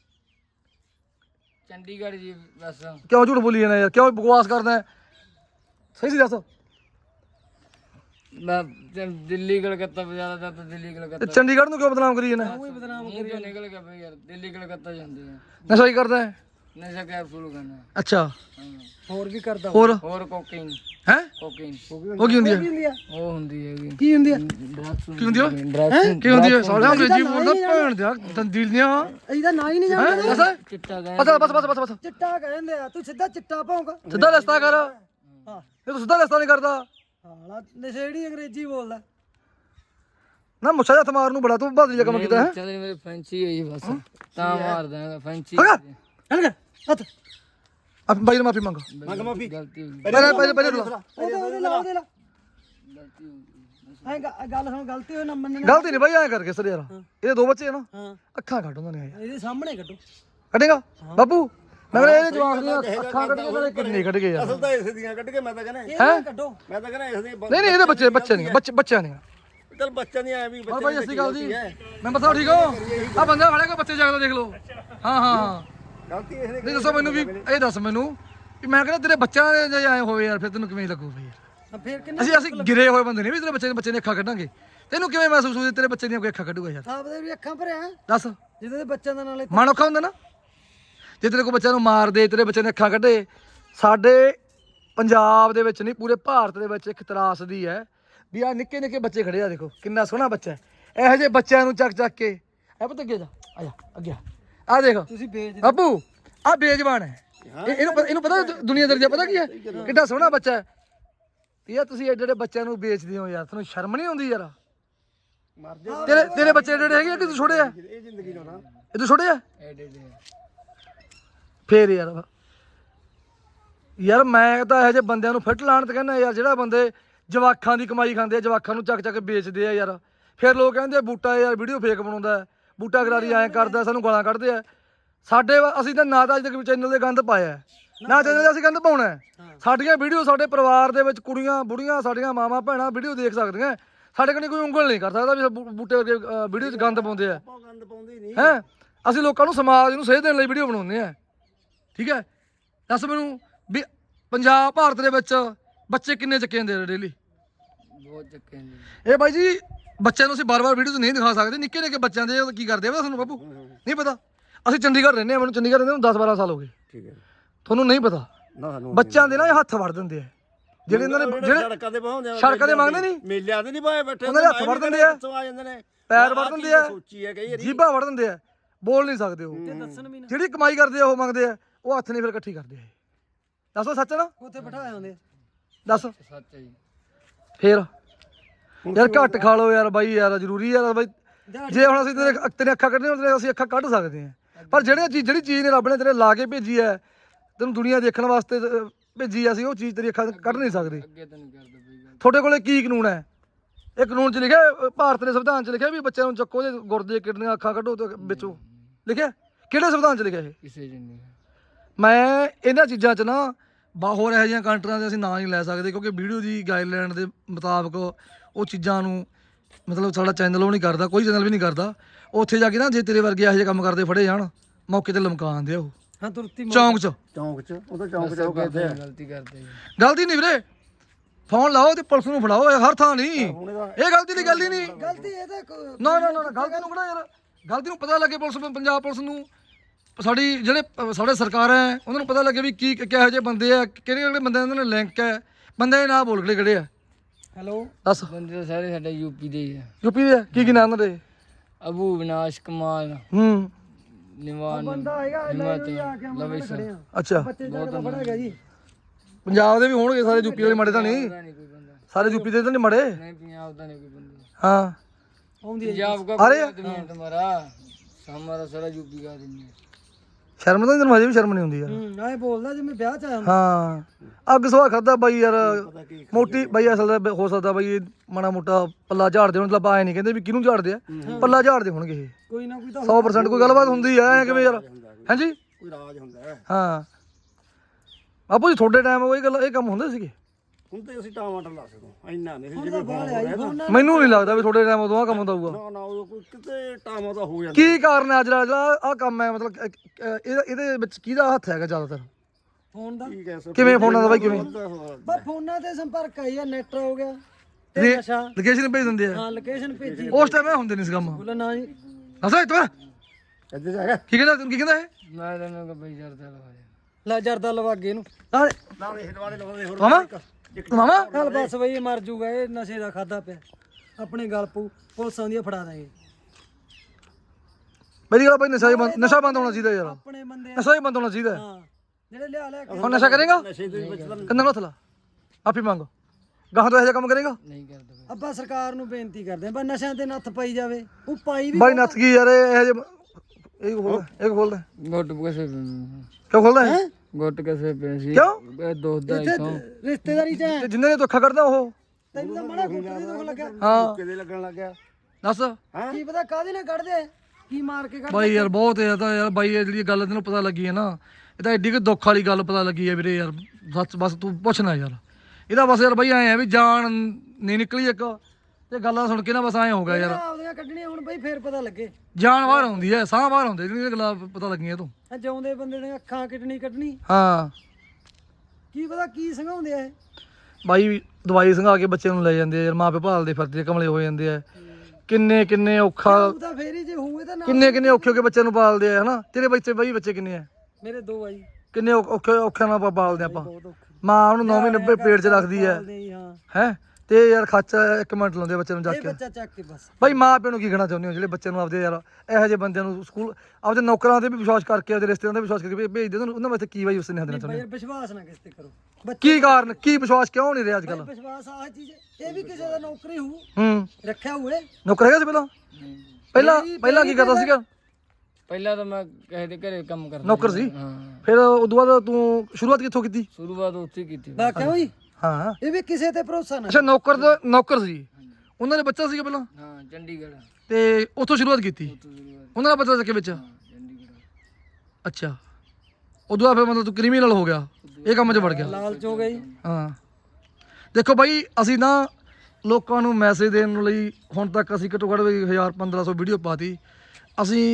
ਚੰਡੀਗੜ੍ਹ ਜੀ ਬਸ ਕਿਉਂ ਝੂਠ ਬੋਲੀ ਜਾਂਦਾ ਯਾਰ ਕਿਉਂ ਬਕਵਾਸ ਕਰਦਾ ਹੈ? ਸਹੀ ਸੀ ਦੱਸ ਮੈਂ ਤੇ ਦਿੱਲੀ ਕਲਕੱਤਾ ਜ਼ਿਆਦਾ ਤਾਂ ਦਿੱਲੀ ਤੇ ਕਲਕੱਤਾ ਚੰਡੀਗੜ੍ਹ ਨੂੰ ਕਿਉਂ ਬਦਨਾਮ ਕਰੀ ਜਾਂਦਾ ਮੂੰਹ ਤੋਂ ਨਿਕਲ ਗਿਆ ਬਈ ਯਾਰ ਦਿੱਲੀ ਕਲਕੱਤਾ ਜਾਂਦੇ ਆ ਨਸ਼ਾ ਹੀ ਕਰਦਾ ਹੈ ਨਸ਼ਾ ਕੈਪਸੂਲ ਖਾਣਾ ਅੱਛਾ ਹਾਂ ਹੋਰ ਵੀ ਕਰਦਾ ਹੋਰ ਹੋਰ ਕੋਕੇਨ ਹੈ ਕੋਕੇਨ ਉਹ ਕੀ ਹੁੰਦੀ ਹੈ ਹੁੰਦੀ ਆ ਉਹ ਹੁੰਦੀ ਹੈਗੀ ਕੀ ਹੁੰਦੀ ਆ ਡਰੱਗਸ ਕੀ ਹੁੰਦੀ ਹੈ ਡਰੱਗਸ ਕੀ ਹੁੰਦੀ ਹੈ ਸਾਲਿਆ ਅੰਗਰੇਜ਼ੀ ਬੋਲਦਾ ਭੈਣ ਦਿਆ ਤੰਦੀਲ ਦੀਆਂ ਇਹਦਾ ਨਾਂ ਹੀ ਨਹੀਂ ਜਾਣਦਾ ਦੱਸ ਚਿੱਟਾ ਗਏ ਬਸ ਬਸ ਬਸ ਬਸ ਬਸ ਚਿੱਟਾ ਕਹਿੰਦੇ ਆ ਤੂੰ ਸਿੱਧਾ ਚਿੱਟਾ ਪਾਉਂਗਾ ਸਿੱਧਾ ਰਸਤਾ ਕਰ ਹਾਂ ਇਹ ਤੂੰ ਸਿੱਧਾ ਰਸਤਾ ਨਹੀਂ ਕਰਦਾ ਹਾਲਾ ਨਸ਼ੇੜੀ ਅੰਗਰੇਜ਼ੀ ਬੋਲਦਾ ਨਾ ਮੁੱਛਾ ਹੱਥ ਮਾਰ ਨੂੰ ਬੜਾ ਤੂੰ ਬਹਾਦਰੀ ਦਾ ਕੰਮ ਕੀਤਾ ਹੈ ਚੱਲ ਮੇਰੇ ਫੈਂਸੀ ਹੋਈ ਬਸ ਤਾਂ ਮਾਰ ਦਾਂਗਾ ਫੈਂਸੀ ਹੈਗਾ? ਹਣ ਹੱਥ ਆ ਬਾਈ ਨੂੰ ਮਾਫੀ ਮੰਗ ਮੰਗ ਮਾਫੀ ਗਲਤੀ ਹੋ ਗਈ ਪਹਿਲੇ ਪਹਿਲੇ ਪਹਿਲੇ ਲਾ ਉਹਦੇ ਉਹਦੇ ਲਾ ਉਹਦੇ ਲਾ ਗਲਤੀ ਹੋ ਗਈ ਐ ਗੱਲ ਸੁਣ ਗਲਤੀ ਹੋਈ ਨਾ ਮੰਨਣਾ ਗਲਤੀ ਨਹੀਂ ਬਾਈ ਐ ਕਰਕੇ ਸਰ ਯਾਰ ਇਹਦੇ ਦੋ ਬੱਚੇ ਆ ਨਾ ਹਾਂ ਅੱਖਾਂ ਕੱਢ ਉਹਨਾਂ ਨੇ ਯਾਰ ਇਹਦੇ ਸਾਹਮਣੇ ਕੱਢੋ ਕੱਢੇਗਾ ਬਾਬੂ ਮੈਂ ਕਹਿੰਦਾ ਇਹਦੇ ਜਵਾਕ ਦੀਆਂ ਅੱਖਾਂ ਕੱਢ ਕੇ ਉਹਨਾਂ ਦੇ ਕਿੰਨੇ ਕੱਢ ਗਏ ਯਾਰ ਤਾਂ ਇਸ ਦੀਆਂ ਕੱਢ ਕੇ ਮੈਂ ਤਾਂ ਕਹਿੰਦਾ ਇਹ ਕੱਢੋ ਮੈਂ ਤਾਂ ਕਹਿੰਦਾ ਇਸ ਦੀਆਂ ਨਹੀਂ ਨਹੀਂ ਇਹਦੇ ਬੱਚੇ ਬੱਚੇ ਨਹੀਂ ਬੱਚੇ ਬੱਚਿਆਂ ਨਹੀਂ ਚਲ ਬੱਚਾ ਨਹੀਂ ਆਇਆ ਵੀ ਹੋਰ ਬਾਈ ਅਸੀਂ ਗੱਲ ਜੀ ਮੈਂ ਬਤਾ ਠੀਕ ਹੋ ਆ ਬੰਦਾ ਫੜਿਆ ਕੋ ਬੱਚੇ ਜਾਗਦਾ ਦੇਖ ਲਓ ਹਾਂ ਹਾਂ ਹਾਂ ਗਲਤੀ ਇਸ ਨੇ ਨਹੀਂ ਦੱਸੋ ਮੈਨੂੰ ਵੀ ਇਹ ਦੱਸ ਮੈਨੂੰ ਵੀ ਮੈਂ ਕਹਿੰਦਾ ਤੇਰੇ ਬੱਚਿਆਂ ਦੇ ਜੇ ਆਏ ਹੋਵੇ ਯਾਰ ਫਿਰ ਤੈਨੂੰ ਕਿਵੇਂ ਲੱਗੂ ਬਈ ਯਾਰ ਫੇਰ ਕਿੰਨੇ ਅਸੀਂ ਅਸੀਂ ਗਿਰੇ ਹੋਏ ਬੰਦੇ ਨਹੀਂ ਵੀ ਤੇਰੇ ਬੱਚੇ ਦੇ ਬੱਚੇ ਨੇ ਅੱਖਾਂ ਕੱਢਾਂਗੇ ਤੈਨੂੰ ਕਿਵੇਂ ਮਹਿਸੂਸ ਹੋਈ ਤੇਰੇ ਬੱਚੇ ਦੀਆਂ ਕੋਈ ਅੱਖਾਂ ਕੱਢੂਗਾ ਯਾਰ ਸਾਬ ਦੇ ਵੀ ਅੱਖਾਂ ਭਰਿਆ ਦੱਸ ਜਿਹਦੇ ਦੇ ਬੱਚਿਆਂ ਦਾ ਨਾਲੇ ਮਨ ਔਖਾ ਹੁੰਦਾ ਨਾ ਜੇ ਤੇਰੇ ਕੋ ਬੱਚਿਆਂ ਨੂੰ ਮਾਰ ਦੇ ਤੇਰੇ ਬੱਚੇ ਨੇ ਅੱਖਾਂ ਕੱਢੇ ਸਾਡੇ ਪੰਜਾਬ ਦੇ ਵਿੱਚ ਨਹੀਂ ਪੂਰੇ ਭਾਰਤ ਦੇ ਵਿੱਚ ਇੱਕ ਤਰਾਸ ਦੀ ਹੈ ਵੀ ਆ ਨਿੱਕੇ ਨਿੱਕੇ ਬੱਚੇ ਖੜੇ ਆ ਦੇਖੋ ਕਿੰਨਾ ਸੋਹਣਾ ਬੱਚਾ ਹੈ ਇਹੋ ਜਿਹੇ ਬੱਚਿਆਂ ਨੂੰ ਚੱਕ ਚੱਕ ਕੇ ਇਹ ਪਤਾ ਅੱਗੇ ਜਾ ਆ ਜਾ ਅੱਗੇ ਆ ਆਹ ਦੇਖ ਤੁਸੀਂ ਵੇਚ ਬਾਬੂ ਆ ਬੇਜਵਾਨ ਹੈ ਇਹ- ਇਹਨੂੰ ਪਤਾ- ਇਹਨੂੰ ਪਤਾ ਦੁਨੀਆ ਦਰਜਾ ਪਤਾ ਕੀ ਹੈ ਕਿੱਡਾ ਸੋਹਣਾ ਬੱਚਾ ਹੈ ਯਾਰ ਤੁਸੀਂ ਐਡੇ ਐਡੇ ਬੱਚਿਆਂ ਨੂੰ ਵੇਚਦੇ ਹੋ ਯਾਰ ਤੁਹਾਨੂੰ ਸ਼ਰਮ ਨਹੀਂ ਆਉਂਦੀ ਯਾਰ ਮਰ ਜਾ ਤੇਰੇ ਤੇਰੇ ਬੱਚੇ ਐਡੇ ਐਡੇ ਹੈਗੇ ਆ ਕਿ ਤੂੰ ਛੋੜੇ ਆ ਇਹ ਜ਼ਿੰਦਗੀ ਦਾ ਨਾ ਇਹ ਤੂੰ ਛੋੜੇ ਆ ਐਡੇ ਦੇ ਫੇਰ ਯਾਰ ਯਾਰ ਮੈਂ ਤਾਂ ਇਹੋ ਜਿਹੇ ਬੰਦਿਆਂ ਨੂੰ ਫਿੱਟ ਲਾਣ ਤੇ ਕਹਿੰਦਾ ਯਾਰ ਜਿਹੜਾ ਬੰਦੇ ਜਵਾਖਾਂ ਦੀ ਕਮਾਈ ਖਾਂਦੇ ਆ ਜਵਾਖਾਂ ਨੂੰ ਚੱਕ ਚੱਕ ਵੇਚਦੇ ਆ ਯਾਰ ਫਿਰ ਲੋਕ ਕਹਿੰਦੇ ਆ ਬੂਟਾ ਯਾਰ ਵੀਡੀਓ ਫੇਕ ਬਣਾਉਂਦਾ ਹੈ, ਬੂਟਾ ਗਰਾਰੀ ਐਂ ਕਰਦਾ ਸਾਨੂੰ ਗਾਲਾਂ ਕੱਢਦੇ ਆ ਸਾਡੇ ਵਾ- ਅਸੀਂ ਤਾਂ ਨਾ ਤਾਂ ਅੱਜ ਤੱਕ ਚੈਨਲ ਦੇ ਗੰਦ ਪਾਇਆ ਹੈ, ਨਾ ਚੈਨਲ ਤੇ ਅਸੀਂ ਗੰਦ ਪਾਉਣਾ ਹੈ। ਸਾਡੀਆਂ ਵੀਡੀਓ ਸਾਡੇ ਪਰਿਵਾਰ ਦੇ ਵਿੱਚ ਕੁੜੀਆਂ ਬੁੜੀਆਂ ਸਾਡੀਆਂ ਮਾਵਾਂ ਭੈਣਾਂ ਵੀਡੀਓ ਦੇਖ ਸਕਦੀਆਂ ਸਾਡੇ ਕੋਲ ਕੋਈ ਉਂਗਲ ਨਹੀਂ ਕਰ ਸਕਦਾ ਵੀ ਬੂ- ਬੂਟੇ ਵਰਗੇ ਵੀਡੀਓ 'ਚ ਗੰਦ ਪਾਉਂਦੇ ਆ ਆਪਾਂ ਗੰਦ ਪਾਉਂਦੇ ਹੀ ਨਹੀਂ ਹੈ ਅਸੀਂ ਲੋਕਾਂ ਨੂੰ ਸਮਾਜ ਨੂੰ ਸੇਧ ਦੇਣ ਲਈ ਵੀਡੀਓ ਬਣਾਉਂਦੇ ਆ ਠੀਕ ਹੈ ਦੱਸ ਮੈਨੂੰ ਵੀ ਪੰਜਾਬ ਭਾਰਤ ਦੇ ਵਿੱਚ ਬੱਚੇ ਕਿੰਨੇ ਚੱਕੇ ਜਾਂਦੇ ਆ ਡੇਲੀ ਬਹੁਤ ਚੱਕੇ ਨੇ ਇਹ ਬਾਈ ਜੀ ਬੱਚਿਆਂ ਨੂੰ ਅਸੀਂ ਬਾਰ-ਬਾਰ ਵੀਡੀਓ 'ਚ ਨਹੀਂ ਦਿਖਾ ਸਕਦੇ ਨਿੱਕੇ ਨਿੱਕੇ ਬੱਚਿਆਂ ਦੇ ਉਹ ਕੀ ਕਰਦੇ ਆ ਪਤਾ ਤੁਹਾਨੂੰ ਬਾਬੂ ਨਹੀਂ ਪਤਾ ਅਸੀਂ ਚੰਡੀਗੜ੍ਹ ਰਹਿੰਦੇ ਆ ਮੈਨੂੰ ਚੰਡੀਗੜ੍ਹ ਰਹਿੰਦੇ ਨੂੰ ਦਸ ਬਾਰਾਂ ਸਾਲ ਹੋ ਗਏ ਠੀਕ ਹੈ ਤੁਹਾਨੂੰ ਨਹੀਂ ਪਤਾ ਨਾ ਸਾਨੂੰ ਬੱਚਿਆਂ ਦੇ ਨਾ ਇਹ ਹੱਥ ਵੜ ਦਿੰਦੇ ਆ ਜਿਹੜੇ ਇਹਨਾਂ ਨੇ ਜਿਹੜੇ ਸੜਕਾਂ ਤੇ ਪਾਉਂਦੇ ਆ ਸੜਕਾਂ ਤੇ ਮੰਗਦੇ ਨਹੀਂ ਮੇਲਿਆਂ ਤੇ ਨਹੀਂ ਪਾਏ ਬੈਠੇ ਉਹਨਾਂ ਦੇ ਹੱਥ ਵੜ ਦਿੰਦੇ ਆ ਕਿੱਥੋਂ ਆ ਜਾਂਦੇ ਨੇ ਪੈਰ ਵੜ ਦਿੰਦੇ ਆ ਸੋਚੀ ਹੈ ਕਈ ਵਾਰੀ ਜੀਭਾਂ ਵੜ ਦਿੰਦੇ ਆ ਬੋਲ ਨਹੀਂ ਸਕਦੇ ਉਹ ਦੱਸਣ ਵੀ ਨਾ ਜਿਹੜੀ ਕਮਾਈ ਕਰਦੇ ਆ ਉਹ ਮੰਗਦੇ ਆ ਉਹ ਹੱਥ ਨਹੀਂ ਫਿਰ ਇਕੱਠੀ ਕਰਦੇ ਆ ਦੱਸੋ ਸੱਚ ਨਾ ਉੱਥੇ ਬਿਠਾਏ ਹੁੰਦੇ ਆ ਦੱਸ ਸੱਚ ਹੈ ਜੀ ਫੇਰ ਯਾਰ ਘੱਟ ਖਾ ਲਓ ਯਾਰ ਬਾਈ ਯਾਰ ਜ਼ਰੂਰੀ ਯਾਰ ਬਾਈ ਜੇ ਹੁਣ ਅਸੀਂ ਤੇਰੇ ਤੇਰੇ ਅੱਖਾਂ ਕੱਢਣੇ ਹੋਣ ਅਸੀਂ ਅੱਖਾਂ ਕੱਢ ਸਕਦੇ ਹਾਂ ਪਰ ਜਿਹੜੇ ਚੀਜ਼ ਜਿਹੜੀ ਚੀਜ਼ ਨੇ ਰੱਬ ਨੇ ਤੇਰੇ ਲਾ ਕੇ ਭੇਜੀ ਹੈ ਤੈਨੂੰ ਦੁਨੀਆ ਦੇਖਣ ਵਾਸਤੇ ਅਹ, ਭੇਜੀ ਅਸੀਂ ਉਹ ਚੀਜ਼ ਤੇਰੀ ਅੱਖਾਂ ਕੱਢ ਨਹੀਂ ਸਕਦੇ ਅੱਗੇ ਤਾਂ ਨਹੀਂ ਕਰਦਾ ਬਈ ਗੱਲ ਤੁਹਾਡੇ ਕੋਲੇ ਕੀ ਕਾਨੂੰਨ ਹੈ ਇਹ ਕਾਨੂੰਨ 'ਚ ਲਿਖਿਆ ਅਹ, ਭਾਰਤ ਦੇ ਸੰਵਿਧਾਨ 'ਚ ਲਿਖਿਆ ਵੀ ਬੱਚਿਆਂ ਨੂੰ ਚੱਕੋ ਉਹਦੇ ਗੁਰਦੇ ਕਿਡਨੀਆਂ ਅੱਖਾਂ ਕੱਢੋ ਤੇ ਵਿੱਚੋਂ ਲਿਖਿਆ ਕਿਹੜੇ ਸੰਵਿਧਾਨ 'ਚ ਲਿਖਿਆ ਇਹ ਕਿਸੇ ਚ ਨਹੀਂ ਮੈਂ ਇਹਨਾਂ ਚੀਜ਼ਾਂ 'ਚ ਨਾ ਬਾਹਰ ਇਹੋ ਜਿਹੀਆਂ ਕੰਟਰੀਆਂ ਦੇ ਅਸੀਂ ਨਾਂ ਨਹੀਂ ਲੈ ਸਕਦੇ ਕਿਉਂਕਿ ਵੀਡੀਓ ਦੀ ਗਾਈਡਲਾਈਨ ਦੇ ਮੁਤਾਬਕ ਉਹ ਚੀਜ਼ਾਂ ਨੂੰ ਮਤਲਬ ਸਾਡਾ ਚੈਨਲ ਉਹ ਨਹੀਂ ਕਰਦਾ ਕੋਈ ਚੈਨਲ ਵੀ ਨਹੀਂ ਕਰਦਾ ਉੱਥੇ ਜਾ ਕੇ ਨਾ ਜੇ ਤੇਰੇ ਵਰਗੇ ਇਹੋ ਜਿਹੇ ਕੰਮ ਕਰਦੇ ਫੜੇ ਜਾਣ ਮੌਕੇ ਤੇ ਲਮਕਾ ਦਿੰਦੇ ਆ ਉਹ ਹਾਂ ਤੁਰਤੀ ਚੌਂਕ 'ਚ ਚੌਂਕ 'ਚ ਉਹ ਤਾਂ ਚੌਂਕ 'ਚ ਅੱਗੇ ਉਹ ਕਰਦੇ ਤਾਂ ਆ ਗਲਤੀ ਕਰਦੇ ਜੀ ਗਲਤੀ ਨਹੀਂ ਵੀਰੇ ਫੋਨ ਲਾਓ ਤੇ ਪੁਲਿਸ ਨੂੰ ਫੜਾਓ ਇਹ ਹਰ ਥਾਂ ਨਹੀਂ ਹੁਣ ਇਹਦਾ ਇਹ ਗਲਤੀ ਦੀ ਗੱਲ ਹੀ ਨਹੀਂ ਗਲਤੀ ਇਹਦਾ ਕੋ- ਨਾ ਨਾ ਨਾ ਨਾ, ਗਲਤੀ ਨੂੰ ਕਿਹੜਾ ਯਾਰ ਗਲਤੀ ਨੂੰ ਪਤਾ ਲੱਗੇ ਪੁਲਿਸ ਨੂੰ ਪੰਜਾਬ ਪੁਲਿਸ ਨੂੰ ਸਾਡੀ ਜਿਹੜੇ ਅ, ਸਾਡੇ ਸਰਕਾਰਾਂ ਹੈ ਉਹਨਾਂ ਨੂੰ ਪਤਾ ਲੱਗੇ ਵੀ ਕੀ ਕਿਹੋ ਜਿਹੇ ਬੰਦੇ ਆ ਕਿਹੜੇ ਕਿਹੜੇ ਬੰਦਿਆਂ ਦੇ ਨਾਲ ਲਿੰਕ ਹੈ ਬੰਦੇ ਦੇ ਨਾਂ ਬੋਲ ਕਿਹੜੇ ਕਿਹੜੇ ਆ ਹੈਲੋ ਦੱਸ ਬੰਦੇ ਤਾਂ ਸਾਰੇ ਸਾਡੇ ਯੂਪੀ ਦੇ ਹੀ ਆ। ਯੂਪੀ ਦੇ ਆ? ਕੀ ਕੀ ਨਾਂ ਉਹਨਾਂ ਦੇ? ਅਬੂ ਵਿਨਾਸ਼ ਕਮਾਲ ਹੂੰ ਨਿਵਾਨ ਬੰਦਾ ਹੈਗਾ ਲੈ ਜੀ ਆ ਹਿੰਮਤ ਕੇ ਹਮਾਰੇ ਲਵਿਸ਼ ਖੜੇ ਆ ਅੱਛਾ ਬੱਚੇ ਦਾ ਬੜਾ ਹੈਗਾ ਜੀ ਪੰਜਾਬ ਦੇ ਵੀ ਹੋਣਗੇ ਸਾਰੇ ਯੂਪੀ ਵਾਲੇ ਮਾੜੇ ਤਾਂ ਨਹੀਂ ਦਾ ਨਹੀਂ ਕੋਈ ਬੰਦਾ ਸਾਰੇ ਯੂਪੀ ਦੇ ਤਾਂ ਨਹੀਂ ਮਾੜੇ ਨਹੀਂ ਪੰਜਾਬ ਦਾ ਨਹੀਂ ਕੋਈ ਬੰਦਾ ਹਾਂ ਆਉਂਦੀ ਹੈ पंजाब का अरे! पूरा दुनिया तुम्हारा हमारा सारा यूपी का आदमी है। ਸ਼ਰਮ ਤਾਂ ਤੈਨੂੰ ਹਜੇ ਵੀ ਸ਼ਰਮ ਨਹੀਂ ਆਉਂਦੀ ਯਾਰ ਹੂੰ ਐ ਬੋਲਦਾ ਜਿਵੇਂ ਵਿਆਹ ਚ ਆਇਆ ਹੁੰਦਾ। ਹਾਂ ਅੱਗ ਸਵਾ ਖਾਦਾ ਬਾਈ ਯਾਰ ਮੋਟੀ ਬਾਈ ਅਸਲ ਦਾ ਹੋ ਸਕਦਾ ਬਾਈ ਇਹ ਮਾੜਾ ਮੋਟਾ ਪੱਲਾ ਝਾੜਦੇ ਹੋਣ ਤਾਂ ਆਏ ਨਹੀਂ ਕਹਿੰਦੇ ਵੀ ਕਿਹਨੂੰ ਝਾੜਦੇ ਆ ਪੱਲਾ ਝਾੜਦੇ ਹੋਣਗੇ ਇਹ ਕੋਈ ਨਾ ਕੋਈ ਤਾਂ ਸੌ ਪਰਸੈਂਟ ਕੋਈ ਗੱਲਬਾਤ ਹੁੰਦੀ ਐ ਕਿਵੇਂ ਯਾਰ ਹਾਂਜੀ ਕੋਈ ਰਾਜ ਹੁੰਦਾ ਹੈ। ਹਾਂ ਬਾਪੂ ਜੀ ਤੁਹਾਡੇ ਟਾਈਮ ਉਹ ਇਹ ਗੱਲ ਇਹ ਕੰਮ ਹੁੰਦੇ ਸੀਗੇ ਹੁਣ ਤੇ ਅਸੀਂ ਟਮਾਟਰ ਲਾ ਸਕੋ ਇੰਨਾ ਨਹੀਂ ਜਿਵੇਂ ਫੋਨ ਹੋ ਰਿਹਾ ਨਾ ਮੈਨੂੰ ਨਹੀਂ ਲੱਗਦਾ ਵੀ ਤੁਹਾਡੇ ਟਾਈਮ ਉਦੋਂ ਆ ਕੰਮ ਹੁੰਦਾ ਹੋਊਗਾ ਨਾ ਨਾ ਉਹ ਕੋਈ ਕਿਤੇ ਟਾਮਾ ਤਾਂ ਹੋ ਜਾਂਦਾ ਕੀ ਕਾਰਨ ਹੈ ਅੱਜ ਦਾ ਜਿਹੜਾ ਆਹ ਕੰਮ ਹੈ ਮਤਲਬ ਅ, ਅ, ਇਹਦਾ ਇਹਦੇ ਵਿੱਚ ਕਿਹਦਾ ਹੱਥ ਹੈਗਾ ਜ਼ਿਆਦਾਤਰ ਫੋਨ ਦਾ ਕੀ ਕਹਿ ਸਕਦੇ ਕਿਵੇਂ ਫੋਨਾਂ ਦਾ ਬਾਈ ਕਿਵੇਂ ਬਸ ਫੋਨਾਂ ਤੇ ਸੰਪਰਕ ਆਈ ਆ ਨੈਟ ਹੋ ਗਿਆ ਤੇ ਨਸ਼ਾ ਲੋਕੇਸ਼ਨ ਭੇਜ ਦਿੰਦੇ ਆ ਹਾਂ ਲੋਕੇਸ਼ਨ ਭੇਜੀ ਉਸ ਟਾਈਮ ਇਹ ਹੁੰਦੇ ਨਹੀਂ ਸੀ ਕੰਮ ਬੋਲ ਨਾ ਜੀ ਦੱਸੋ ਇਹ ਤਾਂ ਇੱਥੇ ਜਾਗਾ ਕੀ ਕਹਿੰਦਾ ਤੈਨੂੰ ਕੀ ਕਹਿੰਦਾ ਇਹ मैं दोनों का भाई जरदा लगा दिया। ਲੈ ਜਰਦਾ ਲਵਾ ਕੇ ਇਹਨੂੰ ਨਾਲੇ ਨਾਲ ਇਹ ਦਵਾਰੇ ਲਵਾਉਂਦੇ ਹੋਰ ਮਾਮਾ ਮਾਮਾ ਚੱਲ ਬਸ ਬਈ ਇਹ ਮਰ ਜੂਗਾ ਇਹ ਨਸ਼ੇ ਦਾ ਖਾਦਾ ਪਿਆ ਆਪਣੇ ਗਲ ਪੂ ਪੁਲਿਸ ਆਉਂਦੀ ਆ ਫੜਾ ਦਾਂਗੇ ਮੇਰੀ ਗੱਲ ਬਾਈ ਨਸ਼ਾ ਹੀ ਬੰਦ ਨਸ਼ਾ ਬੰਦ ਹੋਣਾ ਚਾਹੀਦਾ ਯਾਰ ਆਪਣੇ ਬੰਦੇ ਆ, ਨਸ਼ਾ ਹੀ ਬੰਦ ਹੋਣਾ ਚਾਹੀਦਾ ਹਾਂ ਜਿਹੜੇ ਲਿਆ ਲਿਆ ਕੇ ਹੁਣ ਨਸ਼ਾ ਕਰੇਗਾ ਨਸ਼ੇ ਦੇ ਵਿੱਚ ਤਾਂ ਕਿੰਨਾ ਹੱਥ ਲਾ ਆਪੀ ਮੰਗ ਗਾਹਾਂ ਤੋਂ ਇਹੋ ਜਿਹਾ ਕੰਮ ਕਰੇਗਾ नहीं करता भाई। ਆਪਾਂ ਸਰਕਾਰ ਨੂੰ ਬੇਨਤੀ ਕਰਦੇ ਆਂ ਬਈ ਨਸ਼ਿਆਂ ਤੇ ਨੱਥ ਪਾਈ ਜਾਵੇ ਉਹ ਪਾਈ ਵੀ ਬਾਈ ਨੱਥ ਕੀ ਯਾਰ ਇਹ ਇਹੋ ਜਿਹੇ ਇਹ ਖੋਲਦਾ ਇਹ ਖੋਲਦਾ गोट कैसे ਕਿਉਂ ਖੋਲਦਾ ਹੈ गोट कैसे पैसी क्यों? दोस्त दा ਇੱਥੇ ਰਿਸ਼ਤੇਦਾਰੀ ਚ ਹੈ ਤੇ ਜਿੰਨੇ ਨੇ ਧੋਖਾ ਕਰਦਾ ਉਹ ਤੈਨੂੰ ਤਾਂ ਮੜਾ ਗੁੱਟ ਦੇ ਦੁੱਖ ਲੱਗਾ ਹਾਂ ਕਿਤੇ ਲੱਗਣ ਲੱਗ ਗਿਆ ਦੱਸ ਕੀ ਪਤਾ ਕਾਹਦੇ ਨਾਲ ਕੱਢਦੇ ਕੀ ਮਾਰ ਕੇ ਕੱਢ ਬਾਈ ਯਾਰ ਬਹੁਤ ਹੈ ਤਾਂ ਯਾਰ ਬਾਈ ਇਹ ਜਿਹੜੀ ਗੱਲ ਤੈਨੂੰ ਪਤਾ ਲੱਗੀ ਹੈ ਨਾ ਇਹ ਤਾਂ ਐਡੀ ਕਿ ਦੁੱਖ ਵਾਲੀ ਗੱਲ ਪਤਾ ਲੱਗੀ ਹੈ ਵੀਰੇ ਯਾਰ ਸੱਚ ਬਸ ਤੂੰ ਪੁੱਛਣਾ ਯਾਰ ਇਹਦਾ ਬਸ ਯਾਰ ਬਾਈ ਐ ਆ ਵੀ ਜਾਨ ਨਹੀਂ ਨਿਕਲੀ ਇੱਕ ਤੇ ਗੱਲਾਂ ਸੁਣ ਕੇ ਨਾ ਬਸ ਐ ਹੋ ਗਿਆ ਯਾਰ ਆਪਦੀਆਂ ਕੱਢਣੀਆਂ ਹੁਣ ਬਈ ਫੇਰ ਪਤਾ ਲੱਗੇ ਜਾਨ ਬਾਹਰ ਆਉਂਦੀ ਹੈ ਸਾਹ ਬਾਹਰ ਆਉਂਦੇ ਜਿਹੜੀਆਂ ਗੱਲਾਂ ਪਤਾ ਲੱਗੀਆਂ ਤੂੰ ਆ ਜਿਉਂਦੇ ਬੰਦੇ ਦੀਆਂ ਅੱਖਾਂ ਕਿਟਣੀ ਕੱਢਣੀ ਹਾਂ ਕੀ ਪਤਾ ਕੀ ਸੰਘਾਉਂਦੇ ਆ ਇਹ ਬਾਈ ਦਵਾਈ ਸੰਘਾ ਕੇ ਬੱਚੇ ਨੂੰ ਲੈ ਜਾਂਦੇ ਆ ਯਾਰ ਮਾਪੇ ਭਾਲਦੇ ਫਿਰਦੇ ਆ, ਕਮਲੇ ਹੋ ਜਾਂਦੇ ਆ ਕਿੰਨੇ ਕਿੰਨੇ ਔਖਾ ਉਹ ਤਾਂ ਫੇਰ ਹੀ ਜੇ ਹੋਵੇ ਤਾਂ ਨਾ ਕਿੰਨੇ ਕਿੰਨੇ ਔਖੇ ਹੋ ਕੇ ਬੱਚਿਆਂ ਨੂੰ ਪਾਲਦੇ ਆ ਹਨਾ ਤੇਰੇ ਬੱਚੇ ਬਾਈ ਬੱਚੇ ਕਿੰਨੇ ਆ ਮੇਰੇ ਦੋ ਆਈ ਕਿੰਨੇ ਔਖ- ਔਖੇ ਔਖਿਆਂ ਨਾਲ ਆਪਾਂ ਪਾਲਦੇ ਆਪਾਂ ਬਹੁਤ ਔਖੇ ਮਾਂ ਉਹਨੂੰ ਨੌ ਮਹੀਨੇ ਨੱਬੇ ਪੇਟ 'ਚ ਰੱਖਦੀ ਹੈ ਨਹੀਂ ਹਾਂ ਹੈ ਤੇ ਯਾਰ ਖਰਚਾ ਇੱਕ ਮਿੰਟ ਲਾਉਂਦੇ ਆ ਬੱਚੇ ਨੂੰ ਜਾ ਇਹ ਕੇ ਬੱਚਾ ਚੱਕ ਕੇ ਬਸ ਬਾਈ ਮਾਂ ਪਿਓ ਨੂੰ ਕੀ ਕਹਿਣਾ ਚਾਹੁੰਦੇ ਹੋ ਜਿਹੜੇ ਬੱਚੇ ਨੂੰ ਆਪਦੇ ਯਾਰ ਇਹੋ ਜਿਹੇ ਬੰਦਿਆਂ ਨੂੰ ਸਕੂਲ ਆਪਦੇ ਨੌਕਰਾਂ ਤੇ ਵੀ ਵਿਸ਼ਵਾਸ ਕਰਕੇ ਆਪਦੇ ਰਿਸ਼ਤੇਦਾਰਾਂ ਤੇ ਵਿਸ਼ਵਾਸ ਕਰਕੇ ਭੇ- ਭੇਜਦੇ ਉਹਨਾਂ ਉਹਨਾਂ ਵਾਸਤੇ ਕੀ ਬਾਈ ਉਸ ਨੇ ਦੇਣਾ ਬਈ ਚਾਹੁੰਦੇ ਯਾਰ ਵਿਸ਼ਵਾਸ ਨਾ ਕਿਸੇ ਤੇ ਕਰੋ ਹੋ? ਬੱਚੇ ਕੀ ਕਾਰਨ ਕੀ ਵਿਸ਼ਵਾਸ ਕਿਉਂ ਨਹੀਂ ਰਿਹਾ ਅੱਜ ਕੱਲ ਵਿਸ਼ਵਾਸ ਆਹ ਚੀਜ਼ ਇਹ ਵੀ ਕਿਸੇ ਦਾ ਨੌਕਰੀ ਹੋ ਹੂੰ ਰੱਖਿਆ ਹੋਏ ਨੌਕਰ ਹੈਗਾ ਸੀ ਪਹਿਲਾਂ ਪਹਿਲਾਂ ਪਹਿਲਾਂ ਕੀ ਕਰਦਾ ਸੀਗਾ पहला तो मैं कहते करे कम करता ਨੌਕਰ ਸੀ हाँ ਫਿਰ ਉਦੋਂ ਬਾਅਦ ਤੂੰ ਸ਼ੁਰੂਆਤ ਕਿੱਥੋਂ ਕੀਤੀ शुरुआत उससे की थी। ਵਾਕਿਆ ਹੋਈ ਹਾਂ ਇਹ ਵੀ ਕਿਸੇ ਤੇ ਭਰੋਸਾ ਨਾ ਅੱਛਾ ਨੌਕਰ ਦਾ ਨੌਕਰ ਸੀ ਉਹਨਾਂ ਦੇ ਬੱਚਾ ਸੀਗਾ ਪਹਿਲਾਂ हाँ चंडीगढ़ ਤੇ ਉੱਥੋਂ ਸ਼ੁਰੂਆਤ ਕੀਤੀ तो शुरुआत ਉਹਨਾਂ ਦਾ ਬੱਚਾ ਚੱਕੇ ਵਿੱਚ हाँ चंडीगढ़। ਅੱਛਾ ਉਦੋਂ ਬਾਅਦ ਫਿਰ ਮਤਲਬ ਤੂੰ ਕ੍ਰਿਮੀਨਲ ਹੋ ਗਿਆ ਇਹ ਕੰਮ 'ਚ ਵੜ ਗਿਆ ਲਾਲਚ ਹੋ ਗਈ ਹਾਂ ਦੇਖੋ ਬਾਈ ਅਸੀਂ ਨਾ ਲੋਕਾਂ ਨੂੰ ਮੈਸੇਜ ਦੇਣ ਲਈ ਹੁਣ ਤੱਕ ਅਸੀਂ ਘੱਟੋ ਘੱਟ ਵੀ ਹਜ਼ਾਰ ਪੰਦਰਾਂ ਸੌ ਵੀਡੀਓ ਪਾਤੀ ਅਸੀਂ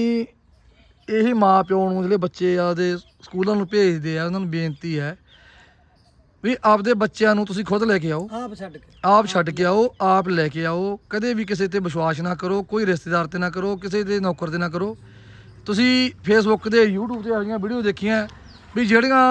ਇਹੀ ਮਾਂ ਪਿਓ ਨੂੰ ਜਿਹੜੇ ਬੱਚੇ ਆਪਦੇ ਸਕੂਲਾਂ ਨੂੰ ਭੇਜਦੇ ਆ ਉਹਨਾਂ ਨੂੰ ਬੇਨਤੀ ਹੈ ਵੀ ਆਪਦੇ ਬੱਚਿਆਂ ਨੂੰ ਤੁਸੀਂ ਖੁਦ ਲੈ ਕੇ ਆਓ ਆਪ ਛੱਡ ਕੇ ਆਪ ਛੱਡ ਕੇ ਆਓ ਆਪ ਲੈ ਕੇ ਆਓ ਕਦੇ ਵੀ ਕਿਸੇ ਤੇ ਵਿਸ਼ਵਾਸ ਨਾ ਕਰੋ ਕੋਈ ਰਿਸ਼ਤੇਦਾਰ ਤੇ ਨਾ ਕਰੋ ਕਿਸੇ ਦੇ ਨੌਕਰ ਤੇ ਨਾ ਕਰੋ ਤੁਸੀਂ ਫੇਸਬੁੱਕ ਤੇ YouTube ਤੇ ਆਈਆਂ ਵੀਡੀਓ ਦੇਖੀਆਂ ਵੀ ਜਿਹੜੀਆਂ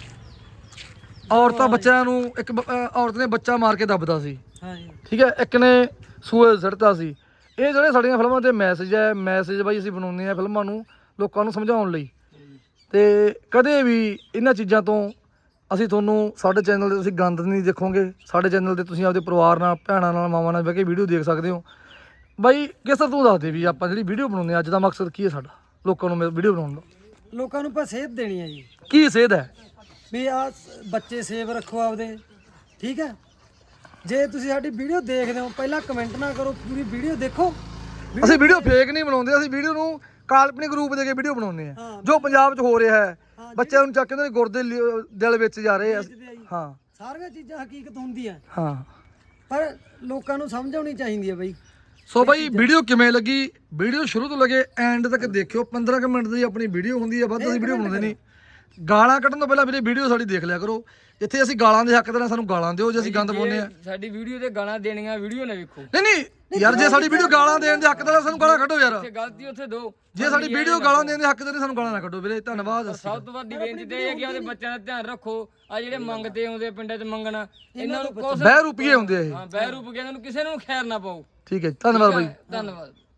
ਔਰਤਾਂ ਬੱਚਿਆਂ ਨੂੰ ਇੱਕ ਬ- ਅਹ ਔਰਤ ਨੇ ਬੱਚਾ ਮਾਰ ਕੇ ਦੱਬਦਾ ਸੀ ਹਾਂ ਜੀ ਠੀਕ ਹੈ ਇੱਕ ਨੇ ਸੂਏ ਸੜਤਾ ਸੀ ਇਹ ਜਿਹੜੇ ਸਾਡੀਆਂ ਫਿਲਮਾਂ ਦੇ ਮੈਸੇਜ ਹੈ ਮੈਸੇਜ ਬਾਈ ਅਸੀਂ ਬਣਾਉਂਦੇ ਆ ਫਿਲਮਾਂ ਨੂੰ ਲੋਕਾਂ ਨੂੰ ਸਮਝਾਉਣ ਲਈ ਤੇ ਕਦੇ ਵੀ ਇਹਨਾਂ ਚੀਜ਼ਾਂ ਤੋਂ ਅਸੀਂ ਤੁਹਾਨੂੰ ਸਾਡੇ ਚੈਨਲ ਤੇ ਤੁਸੀਂ ਗੰਦ ਨਹੀਂ ਦੇਖੋਗੇ ਸਾਡੇ ਚੈਨਲ ਤੇ ਤੁਸੀਂ ਆਪਦੇ ਪਰਿਵਾਰ ਨਾਲ ਭੈਣਾਂ ਨਾਲ ਮਾਵਾਂ ਨਾਲ ਬਹਿ ਕੇ ਵੀਡੀਓ ਦੇਖ ਸਕਦੇ ਹੋ ਬਾਈ ਕਿਸ ਤਰ੍ਹਾਂ ਤੂੰ ਦੱਸ ਦੇ ਵੀ ਆਪਾਂ ਜਿਹੜੀ ਵੀਡੀਓ ਬਣਾਉਂਦੇ ਆ ਅੱਜ ਦਾ ਮਕਸਦ ਕੀ ਹੈ ਸਾਡਾ ਲੋਕਾਂ ਨੂੰ ਵੀਡੀਓ ਬਣਾਉਣ ਦਾ ਲੋਕਾਂ ਨੂੰ ਆਪਾਂ ਸੇਧ ਦੇਣੀ ਹੈ ਜੀ ਕੀ ਸੇਧ ਹੈ ਵੀ ਆ ਬੱਚੇ ਸੇਵ ਰੱਖੋ ਆਪਦੇ ਠੀਕ ਹੈ ਜੇ ਤੁਸੀਂ ਸਾਡੀ ਵੀਡੀਓ ਦੇਖਦੇ ਹੋ ਪਹਿਲਾਂ ਕਮੈਂਟ ਨਾ ਕਰੋ ਪੂਰੀ ਵੀਡੀਓ ਦੇਖੋ ਅਸੀਂ ਵੀਡੀਓ ਫੇਕ ਨਹੀਂ ਬਣਾਉਂਦੇ ਅਸੀਂ ਵੀਡੀਓ ਨੂੰ ਕਾਲਪਨਿਕ ਰੂਪ ਦੇ ਕੇ ਵੀਡੀਓ ਬਣਾਉਂਦੇ ਆ ਹਾਂ। ਜੋ ਪੰਜਾਬ 'ਚ ਹੋ ਰਿਹਾ ਹੈ ਬੱਚਿਆਂ ਨੂੰ ਚੱਕ ਕੇ ਉਹਨਾਂ ਦੇ ਗੁਰਦੇ ਲਿ- ਦਿਲ ਵਿੱਚ ਜਾ ਰਹੇ ਆ ਦੇਖਦੇ ਆ ਜੀ। ਹਾਂ ਸਾਰੀਆਂ ਚੀਜ਼ਾਂ ਹਕੀਕਤ ਹੁੰਦੀਆਂ ਹਾਂ ਪਰ ਲੋਕਾਂ ਨੂੰ ਸਮਝ ਆਉਣੀ ਚਾਹੀਦੀ ਹੈ ਬਈ ਸੋ ਬਾਈ ਵੀਡੀਓ ਕਿਵੇਂ ਲੱਗੀ ਵੀਡੀਓ ਸ਼ੁਰੂ ਤੋਂ ਲੱਗੇ ਐਂਡ ਤੱਕ ਦੇਖਿਓ ਪੰਦਰਾਂ ਕੁ ਮਿੰਟ ਦੀ ਆਪਣੀ ਵੀਡੀਓ ਹੁੰਦੀ ਹੈ ਵੱਧ ਅਸੀਂ ਵੀਡੀਓ ਬਣਾਉਂਦੇ ਨਹੀਂ ਗਾਲਾਂ ਕੱਢਣ ਤੋਂ ਪਹਿਲਾਂ ਵੀਰੇ ਵੀਡੀਓ ਸਾਡੀ ਦੇਖ ਲਿਆ ਕਰੋ। ਇੱਥੇ ਅਸੀਂ ਗਾਲਾਂ ਦੇ ਹੱਕ ਦੇ ਨਾਲ ਸਾਨੂੰ ਗਾਲਾਂ ਦਿਓ ਜੇ ਅਸੀਂ ਗੰਦ ਪਾਉਂਦੇ ਆ। ਸਾਡੀ ਵੀਡੀਓ ਤੇ ਗਾਲਾਂ ਦੇਣੀਆਂ ਵੀਡੀਓ ਨਾ ਵੇਖੋ। ਨਹੀਂ ਨਹੀਂ ਯਾਰ ਜੇ ਸਾਡੀ ਵੀਡੀਓ ਗਾਲਾਂ ਦੇਣ ਦੇ ਹੱਕ ਦੇ ਨਾਲ ਸਾਨੂੰ ਗਾਲਾਂ ਕੱਢੋ ਯਾਰ। ਜੇ ਗਲਤੀ ਉੱਥੇ ਦੋ। ਜੇ ਸਾਡੀ ਵੀਡੀਓ ਗਾਲਾਂ ਦੇਣ ਦੇ ਹੱਕ ਦੇ ਨਾਲ ਸਾਨੂੰ ਗਾਲਾਂ ਨਾ ਕੱਢੋ ਵੀਰੇ। ਧੰਨਵਾਦ। ਸਭ ਤੋਂ ਵੱਡੀ ਬੇਨਤੀ ਤੇ ਇਹ ਹੈ ਕਿ ਆਪਦੇ ਬੱਚਿਆਂ ਦਾ ਧਿਆਨ ਰੱਖੋ। ਆ ਜਿਹੜੇ ਮੰਗਦੇ ਆਉਂਦੇ ਆ ਪਿੰਡਾਂ 'ਚ ਮੰਗਣਾ, ਇਹਨਾਂ ਨੂੰ ਕੁਛ ਬਹਿ ਰੁਪਈਏ ਹੁੰਦੇ ਆ ਇਹ। ਹਾਂ ਬਹਿ ਰੂਪ ਕੇ ਇਹਨਾਂ ਨੂੰ ਕਿਸੇ ਨੂੰ ਖੈਰ ਨਾ ਪਾਓ। ਠੀਕ ਹੈ, ਧੰਨਵਾਦ ਬਾਈ। ਧੰਨਵਾਦ।